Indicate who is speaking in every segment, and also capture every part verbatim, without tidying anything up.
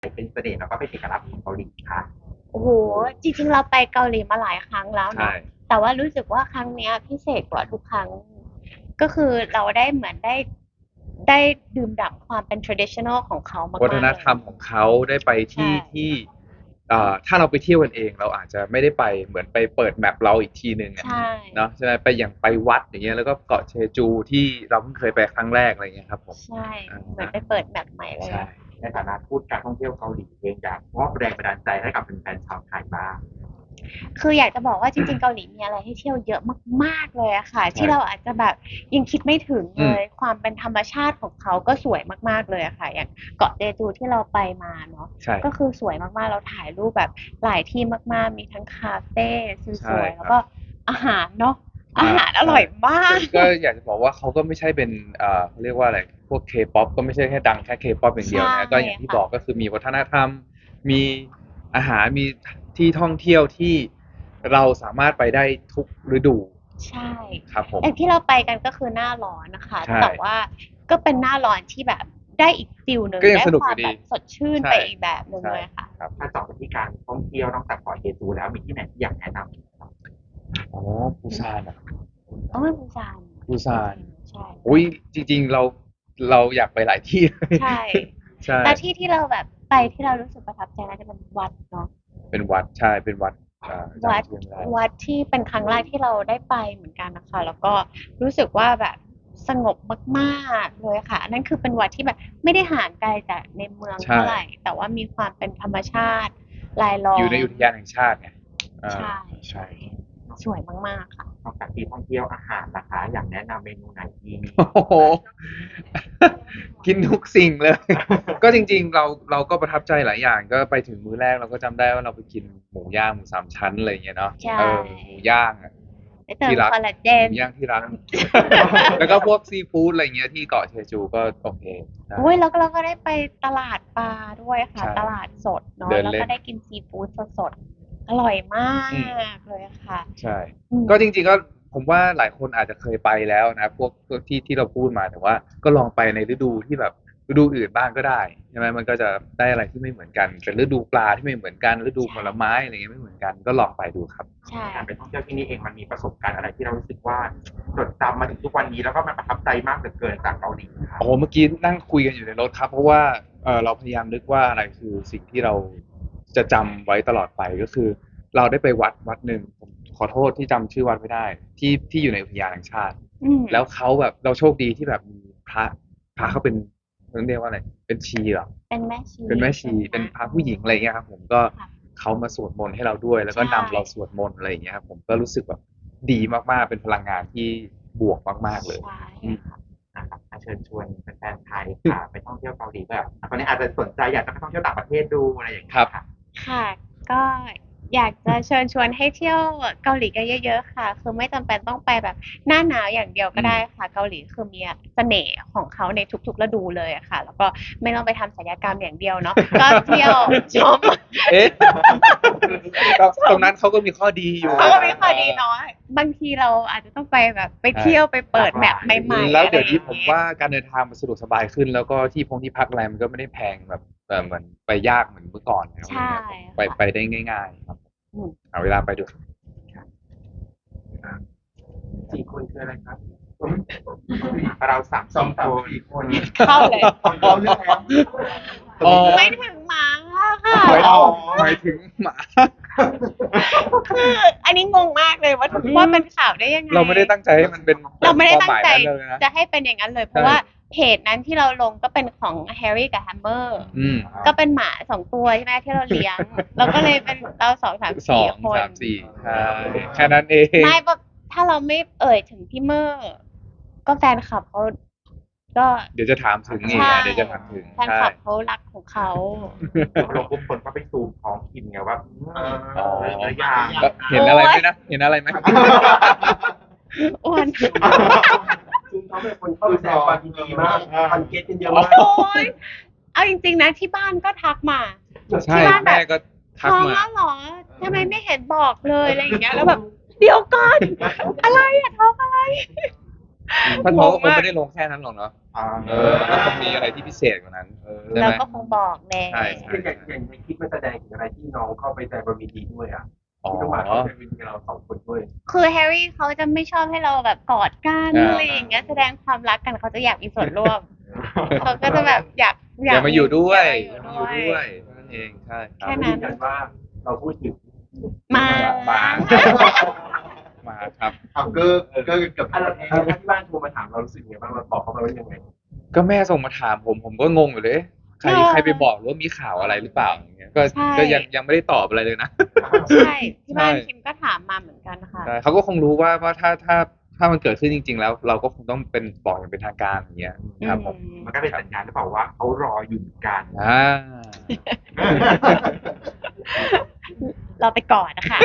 Speaker 1: เป็นเสน่ห์แล้วก็เป็นเอกลักษณ์ของเกาหลีค่ะ
Speaker 2: โอ้โหจริงๆเราไปเกาหลีมาหลายครั้งแล้ว
Speaker 3: ใช่
Speaker 2: เนาะแต่ว่ารู้สึกว่าครั้งเนี้ยพิเศษกว่าทุกครั้งก็คือเราได้เหมือนได้ได้ดื่มด่ำความเป็น traditional ของเขา
Speaker 3: วัฒ
Speaker 2: มากๆเลย
Speaker 3: นธรรมของเขาได้ไป
Speaker 2: ใช่
Speaker 3: ที่ที่อ่าถ้าเราไปเที่ยวกันเองเราอาจจะไม่ได้ไปเหมือนไปเปิดแมปเราอีกทีหนึ่งอะ
Speaker 2: ใช่
Speaker 3: เนาะใช่ไหมไปอย่างไปวัดอย่างเงี้ยแล้วก็เกาะเชจูที่เราเพิ่งเคยไปครั้งแรกอะไรเงี้ยครับผม
Speaker 2: ใช่
Speaker 3: อ่า
Speaker 2: เหมือนไปเปิดแบบใหม่เลย
Speaker 3: ใช่
Speaker 2: อะ
Speaker 1: ในฐานะทูตการท่องเที่ยวเกาหลีเองอยากมอบแรงบันดาลใจให้กับแฟนๆชาวไทยบ้าง
Speaker 2: คืออยากจะบอกว่าจริงๆเกาหลีมีอะไรให้เที่ยวเยอะมากๆเลยอะค่ะ
Speaker 3: ใช่
Speaker 2: ที่เราอาจจะแบบยังคิดไม่ถึง
Speaker 3: อืม
Speaker 2: เลยความเป็นธรรมชาติของเขาก็สวยมากๆเลยอะค่ะอย่างเกาะเจจูที่เราไปมาเนาะ
Speaker 3: ใช่
Speaker 2: ก็คือสวยมากๆเราถ่ายรูปแบบหลายที่มากๆมีทั้งคาเฟ่ส
Speaker 3: ใช่ครับ
Speaker 2: วยๆแล้วก็อาหารเนาะอา
Speaker 3: อ่า
Speaker 2: หารอ
Speaker 3: ใช่
Speaker 2: ร่อยมาก
Speaker 3: ก็ก็อยากจะบอกว่าเขาก็ไม่ใช่เป็นอ่าเขาเรียกว่าอะไรพวกเคป๊อปก็ไม่ใช่แค่ดังแค่เคป๊อปอย่างเดียว
Speaker 2: ใช่
Speaker 3: นะก็อย่างที่บ
Speaker 2: ค่ะ
Speaker 3: อกก็คือมีวัฒนธรรมมีอาหารมีที่ท่องเที่ยวที่เราสามารถไปได้ทุกฤดู
Speaker 2: ใช่
Speaker 3: ครับผม
Speaker 2: อย่างที่เราไปกันก็คือหน้าร้อนนะคะ
Speaker 3: ใช่
Speaker 2: แต่ว่าก็เป็นหน้าร้อนที่แบบได้อีกฟิลหนึ่ง
Speaker 3: ก็ยัง
Speaker 2: ได้ความแบ
Speaker 3: สนุกอยู่ดี
Speaker 2: บสดชื่น
Speaker 3: ใช่
Speaker 2: ไปอีกแบบหนึ่ง
Speaker 3: ใช่
Speaker 2: เลยค่ะ
Speaker 3: ครับ
Speaker 1: ถ้าเจาะไปที่การท่องเที่ยวนอกจากเกาะเจจูแล้วมีที่ไหนที่อยากแนะนำครับ
Speaker 3: อ๋อปูซานอ่ะ
Speaker 2: อ๋อเป็นปูซาน
Speaker 3: ปูซาน
Speaker 2: ใช่
Speaker 3: อุ้ยจริงๆเราเราอยากไปหลายที่เลย
Speaker 2: ใช่
Speaker 3: ใช่
Speaker 2: แล้วที่ที่เราแบบไปที่เรารู้สึกประทับใจน่าจะเป็นวัดเนาะ
Speaker 3: เป็นวัดใช่เป็นวัดอ่า
Speaker 2: วัด
Speaker 3: จำชื่อไม่ได้
Speaker 2: วัดที่เป็นครั้งแรกที่เราได้ไปเหมือนกันนะคะแล้วก็รู้สึกว่าแบบสงบมากๆเลยค่ะอันนั้นคือเป็นวัดที่แบบไม่ได้ห่างไกลจากในเมือง
Speaker 3: ใช่
Speaker 2: เท่าไหร่แต่ว่ามีความเป็นธรรมชาติรายล้อ
Speaker 3: อยู่ใน
Speaker 2: ม
Speaker 3: อุทยานแห่งชาติไงอ่า
Speaker 2: ใช่
Speaker 3: ใช่
Speaker 2: ใช่สวยมากๆค่ะ
Speaker 1: นอกจากที่ท่องเที่ยวอาหารนะคะอยากแนะนำเมนูไหนดี
Speaker 3: โอ้โหกินทุกสิ่งเลย ก็จริงๆเราเราก็ประทับใจหลายอย่างก็ไปถึงมื้อแรกเราก็จำได้ว่าเราไปกินหมูย่างหมูสามชั้นอะไรอย่างเงี้ยเนาะ
Speaker 2: ใช่
Speaker 3: เออหมูย่างอะ
Speaker 2: ได้เติม
Speaker 3: ที่รัก
Speaker 2: คอลลาเจน
Speaker 3: หมูย่างที่รัก แล้วก็พวกซีฟู้ดอะไรเงี้ยที่เกาะเชจูก็โอเคได้
Speaker 2: โอ้ยแล้วก็เราก็ได้ไปตลาดปลาด้วยค่ะ
Speaker 3: ใช่
Speaker 2: ตลาดสดเนาะ
Speaker 3: เดินเล่น
Speaker 2: แล้วก็ได้กินซีฟู้ดสดๆอร่อยมา
Speaker 3: อืม
Speaker 2: กเลยค่ะ
Speaker 3: ใช่
Speaker 2: อืม
Speaker 3: ก็จริงๆก็ผมว่าหลายคนอาจจะเคยไปแล้วนะพวกพวกที่ที่เราพูดมาแต่ว่าก็ลองไปในฤดูที่แบบฤดูอื่นบ้างก็ได้ใช่ไหมมันก็จะได้อะไรที่ไม่เหมือนกันเป็นฤดูปลาที่ไม่เหมือนกันฤดูผ
Speaker 2: ใช่
Speaker 3: ลไม้อะไรเงี้ยไม่เหมือนกันก็ลองไปดูครับ
Speaker 2: ใช่
Speaker 1: การไปท่องเที่ยวที่นี่เองมันมีประสบการณ์อะไรที่เรารู้สึกว่าจดจำมาถึงทุกวันนี้แล้วก็มันประทับใจมากเหลือเกินจากเกาหลีครับ
Speaker 3: โอ้โหเมื่อกี้นั่งคุยกันอยู่ในรถครับเพราะว่าเออเราพยายามนึกว่าอะไรคือสิ่งที่เราจะจำไว้ตลอดไปก็คือเราได้ไปวัดวัดหนึ่งผมขอโทษที่จำชื่อวัดไม่ได้ที่ที่อยู่ในอุทยานแห่งชาติ
Speaker 2: อืม
Speaker 3: แล้วเขาแบบเราโชคดีที่แบบมีพระพระเขาเป็นเขาเรียกว่าอะไรเป็นชีเหรอ
Speaker 2: เป็นแม่ชี
Speaker 3: เป็นแม่ชี
Speaker 2: ใช่
Speaker 3: เป็น
Speaker 2: ไหม
Speaker 3: พระผู้หญิงอะไรเงี้ยครับผมก็
Speaker 2: ค่ะ
Speaker 3: เขามาสวดมนต์ให้เราด้วยแล้วก็
Speaker 2: ใช่
Speaker 3: นำเราสวดมนต์อะไรอย่างเงี้ยครับผมก็รู้สึกแบบดีมากๆเป็นพลังงานที่บวกมากๆเลย
Speaker 2: ใช่
Speaker 3: อืม
Speaker 2: ค่ะ
Speaker 1: นะครับเชิญชวนแฟนๆไทยค่ะไปท่องเที่ยวเกาหลีแบบตอนนี้อาจจะสนใจอยากจะไปท่องเที่ยวต่างประเทศดูอะไรอย่าง
Speaker 3: ค
Speaker 1: เงี้
Speaker 3: รับ
Speaker 1: ยค่ะ
Speaker 2: ค่ะก็อยากจะเชิญชวนให้เที่ยวเกาหลีกันเยอะๆค่ะคือไม่จำเป็นต้องไปแบบหน้าหนาวอย่างเดียวก็
Speaker 3: อืม
Speaker 2: ได้ค่ะเกาหลีคือมีเสน่ห์ของเขาในทุกๆฤดูเลยอะค่ะแล้วก็ไม่ต้องไปทำศัลยกรรมอย่างเดียวเนาะก็เที่ยวชม
Speaker 3: เอ๊ะก็ตรงนั้นเขาก็มีข้อดีอยู่
Speaker 2: เขาก็มีข้อดีเนาะบางทีเราอาจจะต้องไปแบบไป
Speaker 3: ใช่
Speaker 2: เที่ยวไปเปิดแมปใหม่ๆ
Speaker 3: แล้ว
Speaker 2: อะไร
Speaker 3: เดี๋ยวนี้
Speaker 2: อย่างเงี้ย
Speaker 3: ผมว่าการเดินทางมันสะดวกสบายขึ้นแล้วก็ที่พงที่พักอะไรมันก็ไม่ได้แพงแบบเออเหมือนไปยากเหมือนเมื่อก่อนแล้วอะไร
Speaker 2: ใช่
Speaker 3: เงี้ยผมไป
Speaker 2: ค่ะ
Speaker 3: ไปได้ง่ายๆครับ
Speaker 2: อืม
Speaker 3: เอาเวลาไปดู
Speaker 1: สี่คนคืออะไรครับเราสามสองสี่คน
Speaker 2: เข้าเลย
Speaker 1: พร้อมเรื่องแล้ว
Speaker 3: อ๋อ
Speaker 2: ไม่ถึงหมาค่ะ
Speaker 3: หมาย
Speaker 1: อ๋อ
Speaker 3: หมายถึงหมา
Speaker 2: คืออันนี้งงมากเลยว่าว่าเป็นข่าวได้ยังไง
Speaker 3: เราไม่ได้ตั้งใจให้มันเป็น
Speaker 2: เราไม่ได้
Speaker 3: ควา
Speaker 2: ตั้งใจ
Speaker 3: หมายนั้นเลยนะ
Speaker 2: จะให้เป็นอย่างนั้นเลยเพราะว่าเพจนั้นที่เราลงก็เป็นของแฮร์รี่กับแฮมเมอร์
Speaker 3: อืม
Speaker 2: ก็เป็นหมาสองตัวใช่ไหมที่เราเลี้ยงเราก็เลยเป็นเราสองสาม
Speaker 3: สอ
Speaker 2: สี่
Speaker 3: ง
Speaker 2: คน
Speaker 3: สามสี่ใช่แค่นั้นเอง
Speaker 2: ไม่แบบถ้าเราไม่เอ่ยถึงพี่เมอร์ก็แฟนคลับเขาก็
Speaker 3: เดี๋ยวจะถามถึงอีก
Speaker 2: ใช่
Speaker 3: อ่ะเดี๋ยวจะถามถึง
Speaker 2: แฟน
Speaker 3: ใช่
Speaker 2: คลับเขารักของเขา
Speaker 1: ลงปุ๊บคนก็ไปซูมท้องกินไงว่า
Speaker 3: อ๋อ
Speaker 1: เอออย่าง
Speaker 3: แล้วเห็นอะไรไหมนะเห็นอะไรไหม
Speaker 2: อ้วน
Speaker 4: ซึ่งเขาเป็นคนเข้าไปแสดงความยินดีมากคอนเกตกันเยอะ
Speaker 2: โอ้
Speaker 4: มาก
Speaker 2: ยเอาจริงๆนะที่บ้านก็ทักมา
Speaker 3: ใช่
Speaker 2: ที่บ้านแบบ
Speaker 3: แม่ก็ทัก
Speaker 2: ท้อง
Speaker 3: มา
Speaker 2: แล้วเหรอทำไมไม่เห็นบอกเลยอะไรอย่างเงี้ยแล้วแบบเดี๋ยวก่อนอะไรอะท้องอะไร
Speaker 3: ท่านเขาก็คงไม่ได้ลงแค่นั้นหรอกเนาะ
Speaker 1: อ่า
Speaker 3: เออมันก็คงมีอะไรที่พิเศษกว่านั้นใช่
Speaker 2: เรา
Speaker 3: ไหม
Speaker 2: ก็คงบอกแน่
Speaker 3: ใช่ใช่
Speaker 4: อย่างอย่างในคลิปมันแสดงถึงอะไรที่น้องเข้าไปแต่บนเวทีด้วยอ่ะ
Speaker 3: อ๋อ
Speaker 4: ที่ต้องมาเข้าไปเวทีกับเราสองคนด้วย
Speaker 2: คือแฮร์รี่เขาจะไม่ชอบให้เราแบบกอดกัน
Speaker 3: อ่า
Speaker 2: อะไรอย่างเงี้ยแสดงความรักกันเขาจะอยากมีส่วนร่วม เขาก็จะแบบอยาก
Speaker 3: อย่ามาอยู่ด้วย
Speaker 2: อ
Speaker 3: อย่า
Speaker 2: มา
Speaker 3: มา
Speaker 2: อ
Speaker 3: อยู่ ยู่
Speaker 2: ด้
Speaker 3: ด้
Speaker 2: ว
Speaker 3: วย ยนั่นเองใช่ครั
Speaker 2: แค่
Speaker 3: บ
Speaker 2: นั้น
Speaker 4: ยืนยันว่าเราพูดถึง
Speaker 2: มา
Speaker 3: มา มาครับ
Speaker 1: เอาเกอร์เกอร์เกับ
Speaker 4: อะไรถ้าที่บ้านโทรมาถามเรารู้สึกไงบ้างเราบอกเขาไปว่ายังไง
Speaker 3: ก็แม่ส่งมาถามผมผมก็งงอยู่เลย ใครใครไปบอกหรือว่ามีข่าวอะไรหรือเปล่าอย่างเงี้ยก็ก็ยังยังไม่ได้ตอบอะไรเลยนะ
Speaker 2: ใช่ที่บ้าน
Speaker 3: ใช่
Speaker 2: คิมก็ถามมาเหมือนกันค่ะ
Speaker 3: ใช่เขาก็คงรู้ว่าว่าถ้าถ้าถ้ามันเกิดขึ้นจริง ๆ แล้ว เราก็คงต้องเป็นบอกอย่างเป็นทางการอย่างเงี้ยครับผม
Speaker 2: อืม
Speaker 1: มันก็เป็นสัญญาณหรือเปล่าว่าเขารออยู่เหมือนกัน
Speaker 3: อ่า
Speaker 2: เราไปก่อนนะคะ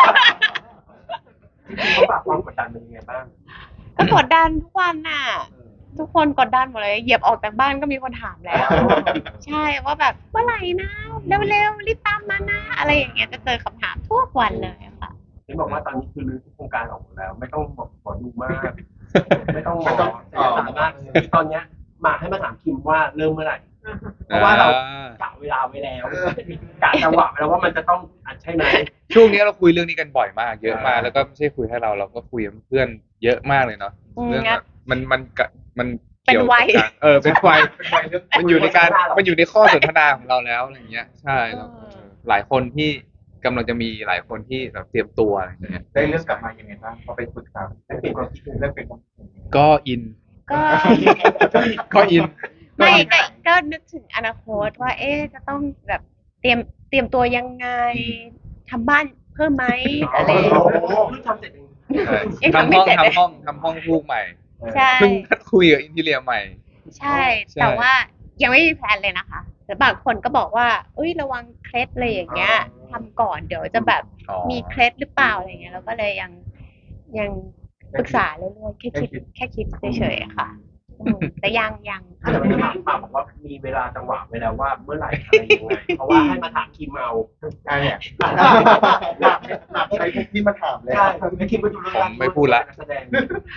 Speaker 4: จริงๆเขาฝากความกดดันเป็นยังไงบ้าง
Speaker 2: ก็กดดันทุกวันน่ะ ทุกคนกดดันหมดเลยเหยียบออกจากบ้านก็มีคนถามแล้ว ใช่ว่าแบบเมื่อไหร่นะเร็วๆรีบตามมานะอะไรอย่างเงี้ยจะเจอคำถามทุกวันเลยอะค่ะ
Speaker 4: เห็นบอกว่าตอนนี้คือรื้อโครงการออกหมดแล้ว ไม่ต้องบอกหมอดูมาก ไม่ต้องหมอศัลยศาสตร์มากคือตอนเนี้ยมาให้มาถามคิมว่าเริ่มเมื่อไหร่ เพราะว่าเรากะเวลาไว้แล้วกะจังหวะไว้แล้วว่ามันจะต้องอัดใช่ไหม
Speaker 3: ช่วงนี้เราคุยเรื่องนี้กันบ่อยมาก เยอะมากแล้วก็ไม่ใช่คุยให้เราเราก็คุยกับเพื่อนเยอะมากเลยเนาะ
Speaker 2: อืม
Speaker 3: เรื่อง
Speaker 2: งั้
Speaker 3: แบ
Speaker 2: น
Speaker 3: บมันมันกะมัน
Speaker 2: เป็น
Speaker 3: เกี่ยว
Speaker 2: วั
Speaker 3: กับ
Speaker 2: ย
Speaker 3: การเออเป็นวัย
Speaker 1: เป็นวัยเรื่อง
Speaker 3: มันอยู่ในการมันอยู่ในข้อสนทนาของเราแล้วอะไรเงี้ยใช่แล้ว
Speaker 2: เออ
Speaker 3: หลายคนที่กำลังจะมีหลายคนที่แบบเตรียมตัวอะไรอย่างเงี้ย
Speaker 1: ได้เรื่องกลับมายังไงบ้างพอไปปรึกษาได้เป็นความคิดเห็นเรื่องเป็นความคิดเห็น
Speaker 3: ก็อิน
Speaker 2: ก็
Speaker 3: ก็อิน
Speaker 2: ไม่ก็ก็นึกถึงอนาคตว่า เอ๊ะจะต้องแบบเตรียมเตรียมตัวยังไงทำบ้านเพิ่มไหมอะไรอย่างเงี้ย
Speaker 4: เพิ่งทำเสร็จเอง
Speaker 3: ใช่
Speaker 2: ยัง
Speaker 3: ทำ
Speaker 2: ทำไม่
Speaker 3: ห้อง
Speaker 2: เสร็จเลย
Speaker 3: ทำห้องทำห้องลูกใหม่
Speaker 2: ใช่
Speaker 3: เพิ่งนัดคุยกับอินทีเรียใหม่
Speaker 2: ใช่
Speaker 3: ใช่
Speaker 2: แต่ว่ายังไม่มีแพลนเลยนะคะแต่บางคนก็บอกว่าเอ้ยระวังเคล็ดอะไรอย่างเงี้ยทำก่อนเดี๋ยวจะแบบ
Speaker 3: อ๋อ
Speaker 2: มีเคล็ดหรือเปล่าอะไรเงี้ยเราก็เลยยังยังปรึกษาเรื่อยๆแค่คิดแค่คิดเฉยๆค่ะอืมแต่ยังยัง
Speaker 4: ถ้าเกิดไม่ถามปาบอกว่ามีเวลาจังหวะไว้แล้วว่าเมื่อไหร่อะไรยังไงเพราะว่าให้มาถามคิมเอา
Speaker 1: อ่าเนี่ยหลักหลักใช้ที่มาถามแล้ว
Speaker 4: ใช่ไม่คิมไปดูเรื่อง
Speaker 3: ผมไม่พูดละ
Speaker 4: แสดง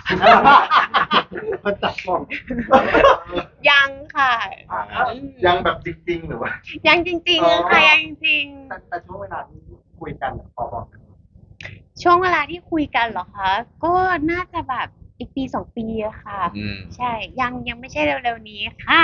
Speaker 1: มันตัดกล้อง
Speaker 2: ยังค่ะ
Speaker 1: อ่ายังแบบจริงๆหรือว่า
Speaker 2: ยังจริงๆค่ะยังจริง
Speaker 1: แต่แต่ช่วงเวลาที่คุยกันอะพอบอก
Speaker 2: ๆช่วงเวลาที่คุยกันเหรอคะก็น่าจะแบบอีกปีสองปีอะค่ะ
Speaker 3: อืม
Speaker 2: ใช่ยังยังไม่ใช่เร็วๆนี้ค่ะ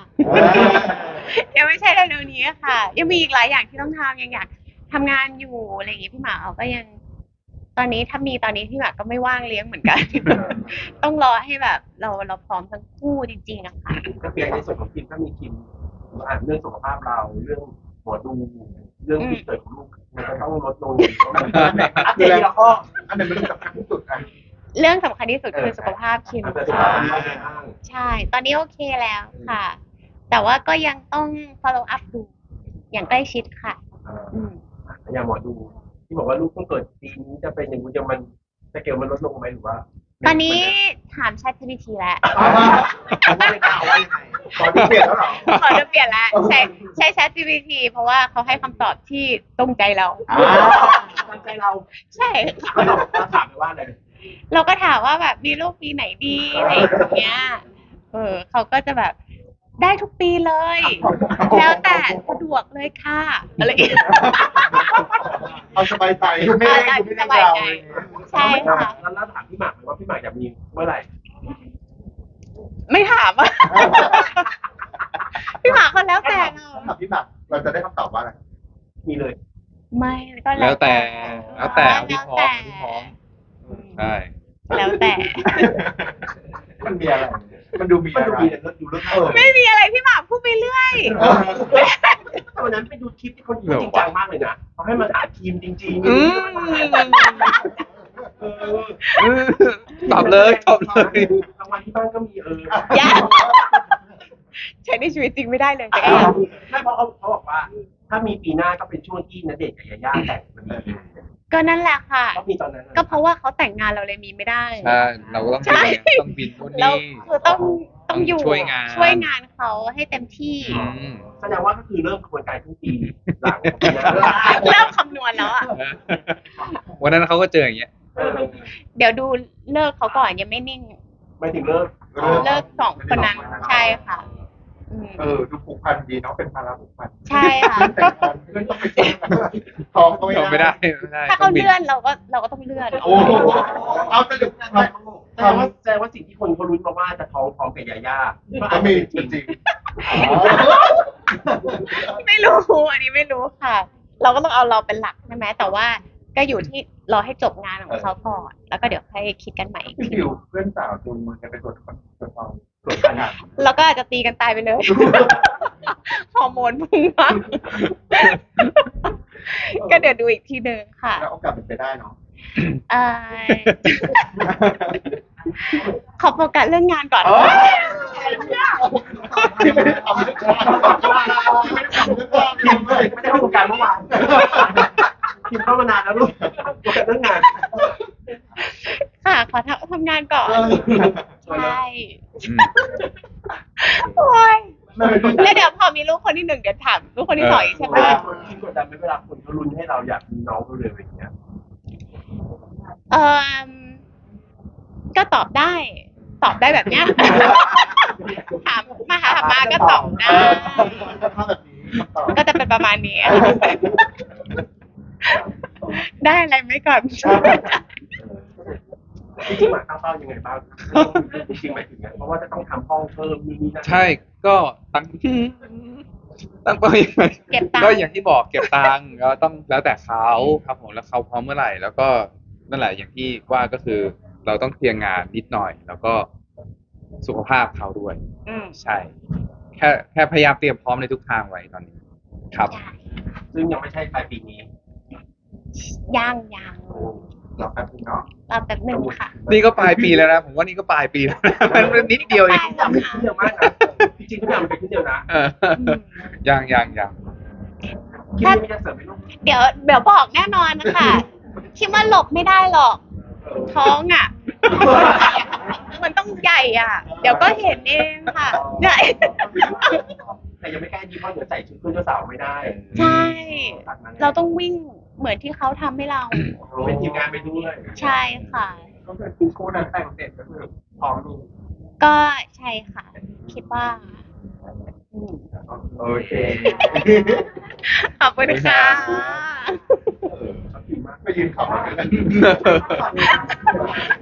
Speaker 2: ยังไม่ใช่เร็วๆนี้ค่ะ ยังมีอีกหลายอย่างที่ต้องทำยังอยากทำงานอยู่อะไรอย่างงี้พี่หมาเอาก็ยัง ตอนนี้ถ้ามีตอนนี้พี่หมาก็ไม่ว่างเลี้ยงเหมือนกัน ต้องรอให้แบบ เราเราพร้อมทั้งคู่จริงๆอะค่ะ
Speaker 4: ก็เปลี่ยนในส่วนของคิมถ้ามีคิมอ่านเรื่องสุขภาพเราเรื่องหมอดูเรื่องที่เกิดของลูกมันจะต้องลดลงอัปเดตทีละข้อ
Speaker 1: อันไหนมันสำคัญที่สุดอ่ะ
Speaker 2: เรื่องสำคัญที่สุดคือสุขภาพคิม
Speaker 4: อัปเดตสุข
Speaker 2: ค่ะ
Speaker 4: ภาพเป็นยังไงบ้าง
Speaker 2: ใช่ ตอนนี้โอเคแล้วค่ะ แต่ว่าก็ยังต้อง follow up ดูอย่างใกล้ชิดค่ะ
Speaker 4: อ่า
Speaker 2: อืม
Speaker 4: อย่างหมอดูที่บอกว่าลูกต้องเกิดปีนี้จะเป็นอย่างนี้จะมันสเกลมันลดลงไหมหรือว่า
Speaker 2: ตอนนี้ถาม ChatGPT แล้ว
Speaker 1: ผมว่าไม่กล้าว่ายังไงขอที่เปลี่ยนแล้วเหรอ
Speaker 2: ขอจะเปลี่ยนแล้วใช้ใช้ ChatGPT เพราะว่าเขาให้คำตอบที่ตรงใจเรา
Speaker 1: อ่า
Speaker 4: ตามใจเรา
Speaker 2: ใช่
Speaker 4: เราถามไปว่าอะไร
Speaker 2: เราก็ถามว่าแบบมีลูกปีไหนดีอะไรอย่างเงี้ย เออเขาก็จะแบบได้ทุกปีเลย แล้วแต่สะดวกเลยค่ะอะไรอย่างเงี้ย
Speaker 1: เอาสบายใจไม่ได้
Speaker 2: เอา
Speaker 1: ไม่
Speaker 2: ส
Speaker 1: ได้
Speaker 2: บาย
Speaker 1: ยาว
Speaker 2: ใจ
Speaker 1: เลย
Speaker 2: ใช่ค่ะ
Speaker 4: แล้วเราถามพี่หมากไหมว่าพี่หมากอยากมีเมื่อไหร่
Speaker 2: ไม่ถามอ่ะ พี่หมาเขาแล้วแต่เรา
Speaker 1: ถามพี่หมากเราจะได้คำตอบว่าอะไร
Speaker 4: มีเลย
Speaker 2: ไม่ก็
Speaker 3: แล้วแต่แล้วแต่เอาที่พร้อม
Speaker 2: แล้วแต่
Speaker 3: เอาที่พร้อมใช่
Speaker 2: แล้วแต่
Speaker 1: มันมีอะไร มันดูมี
Speaker 4: มัน
Speaker 1: อะ
Speaker 4: ดู
Speaker 1: ไร
Speaker 4: มีแต่ดูเรื่องเออ
Speaker 2: ไม่มีอะไรพี่หมาพูดไปเรื่อย
Speaker 4: แต่วันนั้นไปดูคลิปที่คนพูดจริงจังมากเลยนะเขาให้มาถามทีมจริงๆ
Speaker 3: อืม
Speaker 4: เออ
Speaker 3: ตอบเลยตอบเลย
Speaker 4: รางวัลที่บ้านก็มีเออ
Speaker 2: อย่าใช้ในชีวิตจริงไม่ได้เลยแต่
Speaker 4: ไม่เพราะเขาเขาบอกว่า ถ้ามีปีหน้าก็เป็นช่วงที่ณเดชน์กับยาย่าแต่งพอดี
Speaker 2: ก็นั่นแหละค่ะ
Speaker 4: ก็มีตอนนั้น
Speaker 2: ก็เพราะว่าเขาแต่งงานเราเลยมีไม่ได้
Speaker 3: ใช่เราก็ต้อง
Speaker 2: ใช่
Speaker 3: บินต้องบินนู่น
Speaker 2: เรา
Speaker 3: นี่
Speaker 2: คือต้องต้องอยู่
Speaker 3: ช่วยงาน
Speaker 2: ช่วยงานเขาให้เต็มที่
Speaker 3: อืม
Speaker 4: แสดงว่าก็คือเริ่มกระบวนการทุกปีหลังของปีหน้า
Speaker 2: เริ่มคำนวณแล้วอ่ะ
Speaker 3: วันนั้นเขาก็เจออย่างเงี้ย
Speaker 4: เออ
Speaker 2: เดี๋ยวดูเลิกเขาก่อนยังไม่นิ่ง
Speaker 4: ไม่ถึงเลิก
Speaker 2: เลิกสองคนนั้นใช่ค่ะอืม
Speaker 1: เออดูผูกพันดีเนาะเป็นภาระผูกพัน
Speaker 2: ใช่ค่ะ
Speaker 1: แต่งงานเพื่อนต้องไปเจอท้องก็
Speaker 3: ไม่
Speaker 1: ไม่
Speaker 3: ได้
Speaker 1: ได้
Speaker 3: ไม่ได้
Speaker 2: ถ้า
Speaker 3: ต้
Speaker 2: เขา
Speaker 3: องบิด
Speaker 2: เลื่อนเราก็เราก็ต้องเลื่อน
Speaker 1: โอ้โหเอาสรุปท
Speaker 4: แสดงว่าแสดงว่าสิ่งที่คนเขาลุ้นมาว่าจะท้องพร้อมกับยาย่า
Speaker 1: ำก็มีจริง
Speaker 2: ไม่รู้อันนี้ไม่รู้ค่ะ เราก็ต้องเอาเราเป็นหลักใช่ไหมแต่ว่าก็อยู่ที่รอให้จบงานของเขาก่อนแล้วก็เดี๋ยวค่อยคิดกันใหม่อีก
Speaker 1: พี่
Speaker 2: ที
Speaker 1: ฟิวเพื่อนสาวจูงมือกันไปตรวจตรวจท้อง
Speaker 4: ตรวจกัน
Speaker 2: แล้วก็อาจจะตีกันตายไปเลย ฮอร์โมนพุ่งมากก็เดี๋ยวดูอีกทีหนึ่งค่ะ
Speaker 1: แล้วโอกาสเป็นไปได้เนาะ
Speaker 2: เอ่อขอโฟกัสเรื่องงานก่อน
Speaker 1: ที่ไม่ได้ทำเรื่องงานที่ไม่ได้ทำเรื่องงาน
Speaker 4: คิมเลยไม่ได้เข้าวงการเมื่อวานคิมเข้ามานานแล้วลูกโฟกัสเรื่องงาน
Speaker 2: ค่ะ ขอทำทำงานก่อน ใช่
Speaker 3: อืม
Speaker 2: โอ้ยแล้วเดี๋ยวพอมีลูกคนที่หนึ่งเดี๋ยวถามลูกคนที่สองอีกใช่ไหม
Speaker 4: คิมกดดันไหมเวลาคนเขาลุ้นให้เราอยากมีน้องเร็วๆอย่างเงี้ย
Speaker 2: เออก็ตอบได้ ตอบได้แบบเนี้ย ถามมาหาถามมาก็ตอบได้
Speaker 1: ถ้าแบบนี้ตอบ
Speaker 2: ก็จะเป็นประมาณนี้ ได้อะไรไหมก่อน
Speaker 4: จริงๆหมายตั้งเป้ายังไงบ้างจริงๆหมายถึงไงเพราะว่าจะต้องทำห้องเพิ่มนู่นนี่นั่น
Speaker 3: ใช่ก็ตั้งตั้งเป้ายังไง
Speaker 2: เก็บตังค์
Speaker 3: ก็อย่างที่บอกเก็บตังค์ก็ต้องแล้วแต่เขาครับผมแล้วเขาพร้อมเมื่อไหร่ แล้วก็นั่นแหละอย่างที่ว่าก็คือ เราต้องเคลียร์งานนิดหน่อย แล้วก็สุขภาพเขาด้วย
Speaker 2: อืม
Speaker 3: ใช่ แค่แค่พยายามเตรียมพร้อมในทุกทางไว้ตอนนี้ ครับ
Speaker 2: ใช่
Speaker 4: ซึ่งยังไม่ใช่ปลายปีนี้
Speaker 2: ย่างย่าง
Speaker 1: รอแป๊บนึงเนาะ
Speaker 2: รอแป๊บหนึ่งค่ะ
Speaker 3: นี่ก็ปลายปีแล้วนะผมว่านี่ก็ปลายปีแล้วนะมันมันนิดเดียวเอง
Speaker 4: ทุกอย่างมันขึ้นเร็วมากนะจริงๆทุกอย่างมันเป็นขึ้นเร็วนะ
Speaker 3: เออยังยังยัง
Speaker 4: คิมไม่ได้เสริมให้ลูก
Speaker 2: เดี๋ยวเดี๋ยวบอกแน่นอนนะคะคิดว่าหลบไม่ได้หรอก ท้องอ่ะ มันต้องใหญ่อ่ะ เดี๋ยวก็เห็นเองค่ะใหญ่
Speaker 4: แต่ยังไม่กล้ายิ้มเพราะเดี๋ยวใส่ชุดเพื่อนเจ้าสาวไม่ได้
Speaker 2: ใช่ เราต้องวิ่งเหมือนที่เขาทำให้เรา
Speaker 4: เป็นทีมงานไปด้วย
Speaker 2: ใช่ค่ะ
Speaker 1: ก็คือคุณคู่นั้นแต่งเสร็จก็คือพร้อมลูก
Speaker 2: ก็ใช่ค่ะ คิดว่าอืม
Speaker 1: โอเค
Speaker 2: ขอบคุณค่ะ
Speaker 1: เออไปยืนขับรถกัน